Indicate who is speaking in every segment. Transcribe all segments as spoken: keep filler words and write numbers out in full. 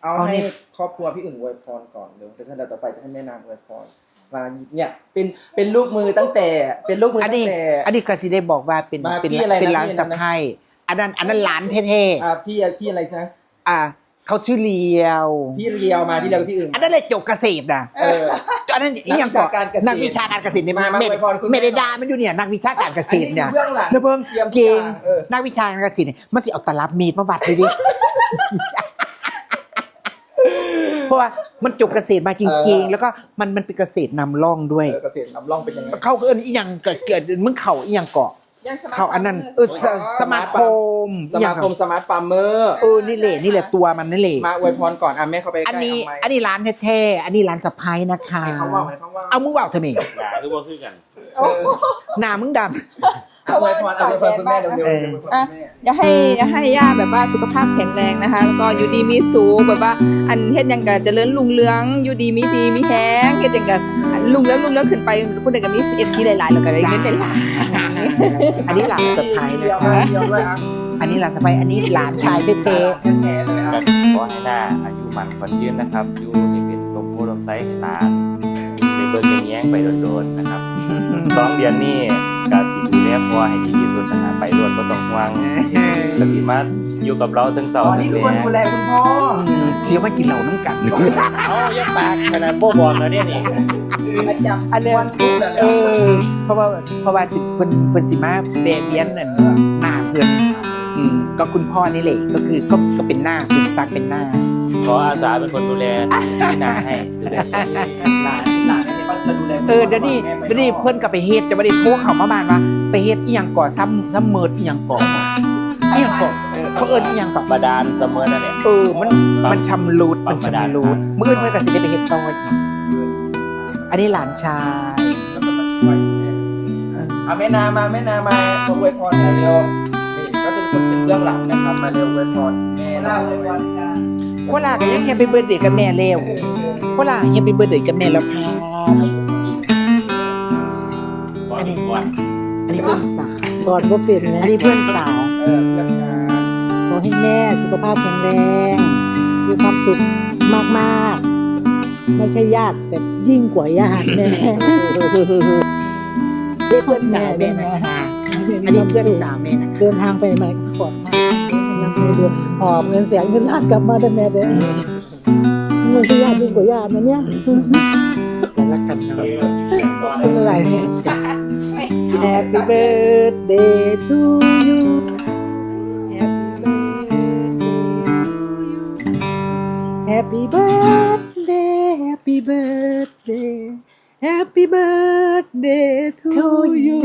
Speaker 1: เอาให้ครอบครัวพี่อุ่นอวยพรก่อนเดี๋ยวท่านต่อไปจะให้แม่นางอวยพรมาเนี่ยเป็นเป็นลูกมือตั้งแต่เป็นลูกมือตั้งแต่
Speaker 2: อันนี้กสิได้บอกว่าเป็นเป็นเป็นร้านสะพ้ายอันนั้นอันนั้นร้านเท่
Speaker 1: ๆอ่าพี่พี่อะไรนะ
Speaker 2: อ่าเขาชื่อเลียว
Speaker 1: พี่เลียวมาพี่เลียวกับพี่อื่น
Speaker 2: อันนั้นเลยจบเกษตรนะ
Speaker 1: เออ
Speaker 2: อันนั้นอีหยังก่อนนักวิชาการเกษตรเนี่ยไม่ได้ด่ามันอยู่เนี่ยนักวิชาการเกษตรเนี่ยแล้วเพิ่งเก่งนักวิชาการเกษตรเนี่ยมันสิเอาตลับมีดมาวัดเลยดิเพราะว่ามันจบเกษตรมาจริงๆแล้วก็มันมันเป็นเกษตรนำร่องด้วย
Speaker 1: เกษตรนำร่องเป็นยังไง
Speaker 2: เขาเอิ้นอีหยังเกิดเกิดมึงเข่าอีหยังเกาะเขาอันนั้นเออสมาคม
Speaker 1: สมาคมสมาร์ทฟาร์มเมอร์
Speaker 2: เออนี่แหละนี่แหละตัวมันนี่แหละ
Speaker 1: มาอวยพรก่อนอ่ะแม่เข้าไปใกล้
Speaker 2: อันนี้อันนี้ร้านแท้ๆอันนี้ร้านสะพ้ายนะคะเอามึงว่าทำไม
Speaker 3: ด่าคือว่าคือกัน
Speaker 2: หน้ามึงด
Speaker 1: ำเอาอวยพรเอาอวยพรคุณแม่เร็วๆ
Speaker 4: อ่ะอย่าให้อย่าให้ย่าแบบว่าสุขภาพแข็งแรงนะคะแล้วก็อยู่ดีมีสุขแบบว่าอันเฮ็ดยังก็เจริญรุ่งเรืองอยู่ดีมีดีมีแฮงเฮ็ดยังก็รุ่งเรืองรุ่งเรืองขึ้นไปผู้ใดก็มี เอฟ ซี หลายๆแล้วก็ได้เงินหลาย
Speaker 2: ๆอันนี้หลานสะพ้ายนะคะอันนี้หลานสะพ้ายอันนี้หลานชายเท่ๆ
Speaker 3: ขอให้หน้าอายุมันขวัญยืนนะครับอยู่ให้เป็นลมโพลมไซให้หลานในเบิร์แย้งไปโดนๆนะครับสองเดือนนี้กาสิดูแลพ่อให้ดีที่สุดนะฮะไปรวดก็ต้องห่วงกสิมาอยู่กับเราทั้งสอง
Speaker 1: นี่คือคนดูแลคุณพ่อ
Speaker 2: เที่ยวมากินเหล้าน้ำกัน
Speaker 3: เอายักปากขนาดโป้บอลแล้วเนี่ยนี่
Speaker 2: อันเนี้ยเออเพราะว่าเพราะว่าสิเพิ่นเพิ่นสิมาเบเบียนนั่นหน้าเพิ่นอืมก็คุณพ่อนี่แหละก็คือก็ก็เป็นหน้าเป็นซักเป็นหน้า
Speaker 3: ขออาสาเป็นคนดูแลที่นาให้ดูแล
Speaker 1: หลานหลานเนี่ยก็จะดูแล
Speaker 2: เออเดี๋ยวนี้เดี๋ยวนี้เพิ่นก็ไปเฮ็ดจะบ่ได้โทรเข้ามาบ้านว่าไปเฮ็ดอีหยังก่อซ้ำซ้ำเมิดอีหยังก่ออีหยังก่อเขาเอิ้นอีหยังก่อบ
Speaker 3: าดาลเสมอนั่นแหละ
Speaker 2: เออมันมันชำรุดมันชำรุดมื้ออื่นเพิ่นก็สิได้ไปเฮ็ดต่ออีกอันนี้หลานชาย
Speaker 1: เอาแม่นามาแม่นามาอวยพรเร็วนี่ก็เป็นคนเป็นเบื้องหลังนะครับมาเร็วอวยพรแม่นาอวยพร
Speaker 2: โคลาก็ยังแฮปปี้เบิร์ธเดย์กับแม่แล้วโคลาแฮปปี้เบิร์ธเดย์กับแม่แล้วค่ะ
Speaker 3: อันนี้
Speaker 2: อันนี้เพื่อนสาว
Speaker 5: ก่อนก็เปลี่ยนนะ
Speaker 2: อันนี้เพื่อนสาว
Speaker 1: เออเพื่อนสาว
Speaker 5: ขอให้แม่สุขภาพแข็งแรงมีความสุขมากๆไม่ใช่ญาติแต่ยิ่งกว่าญาติแม่
Speaker 2: เรียกเพื่อนสาวแม่นะคะอันนี้เพื่อนสาวแม่นะคะ
Speaker 5: เดินทางไปไหนก็ปลอดภัยนับมือดูหอบเงินแสนเงินล้านกลับมาได้แม่เด้อมันคือญาติยิ่งกว่าญาตินะเนี่ย
Speaker 2: รักกันเนาะ
Speaker 5: เป็นอะไรเนี่ย Happy birthday to you Happy birthday Happy birthday Happy birthday to you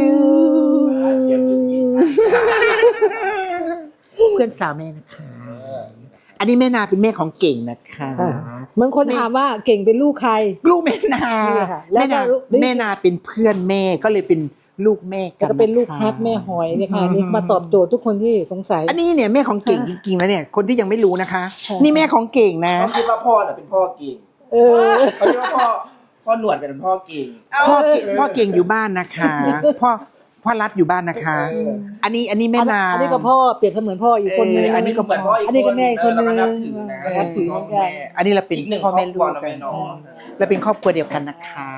Speaker 2: เพื่อนสาวแม่นะคะอันนี้แม่นาเป็นแม่ของเก่งนะคะ
Speaker 5: บางคนถามว่าเก่งเป็นลูกใคร
Speaker 2: ลูกแม่นาแม่นาแม่นาเป็นเพื่อนแม่ก็เลยเป็นลูกแม่กัน
Speaker 5: ก็เป็นลูกฮักแม่หอยเนี่ยค่ะนี่มาตอบโจทย์ทุกคนที่สงสัย
Speaker 2: อันนี้เนี่ยแม่ของเก่งจริงๆแล้วเนี่ยคนที่ยังไม่รู้นะคะนี่แม่ของเก่งนะ
Speaker 1: เขาคิดว่าพ่อน่ะเป็นพ่อเก่ง
Speaker 5: เออ
Speaker 1: เขาคิดว่าพ่อพ่อหนวดเป็นพ่อเก่ง
Speaker 2: พ่อเก่งพ่อเก่งอยู่บ้านนะคะพ่อพ่อรัดอยู่บ้านนะคะอันนี้อันนี้แม่นา
Speaker 5: อันนี้ก็พ่อเปรียบเสมือนพ่ออีกคนนึง
Speaker 1: อันนี้ก็เหมือนพ่ออีก
Speaker 5: อันนี้ก็แม่คนนึง
Speaker 1: นับถือแม่
Speaker 2: อันนี้เราเป็นพ่อแม่ลูกกันเราเป็นครอบครัวเดียวกันนะคะ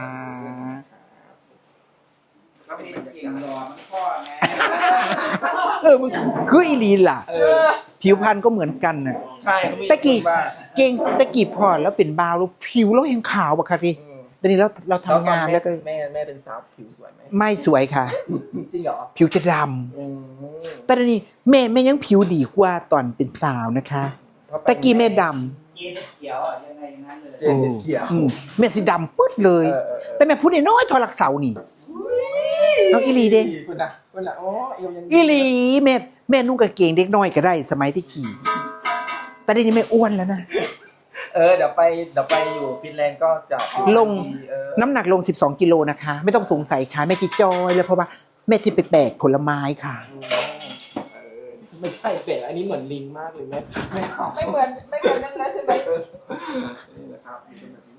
Speaker 2: เออมึงคืออีลีล่ะผิวพรรณก็เหมือนกันน่ะ
Speaker 1: ใช่
Speaker 2: ตะกี้เก่งตะกี้พอแล้วเป็นบาวแล้วผิวเราเห็นขาวบ่ค่ะพี่ตอนนี้เราเราทำงานแล้วก็
Speaker 1: แม่แม่เป็นสาวผิวสวยไหม
Speaker 2: ไม่สวยค่ะ
Speaker 1: จริงเหรอ
Speaker 2: ผิวจะดำแต่ตอนนี้แม่แม่ยังผิวดีกว่าตอนเป็นสาวนะคะตะกี้แม่ดำ
Speaker 1: เขียวยังไงงั้นเลยเขียว
Speaker 2: แม่สีดำปึ๊ดเลยแต่แม่พูดน้อยทอลักเสานี่น้องอีลีเด้อีลีแม่แม่นุ่งกางเกงเด็กน้อยก็ได้สมัยที่ขี่แต่เดี๋ยวนี้แม่อ้วนแล้วนะ
Speaker 1: เออเดี๋ยวไปเดี๋ยวไปอยู่ฟินแลนด์ก็จะ
Speaker 2: ลงน้ำหนักลงสิบสองกิโลนะคะไม่ต้องสงสัยค่ะแม่จิจอยเลยเพราะว่าแม่ที่ไปแบกผลไม้ค่ะ
Speaker 1: ไม่ใช่แบกอันนี้เหมือนลิงมากเลยแม่
Speaker 4: ไม่เหมือนไม่เหมือนนั่นแล้วใช่ไหม
Speaker 1: นี่นะครับ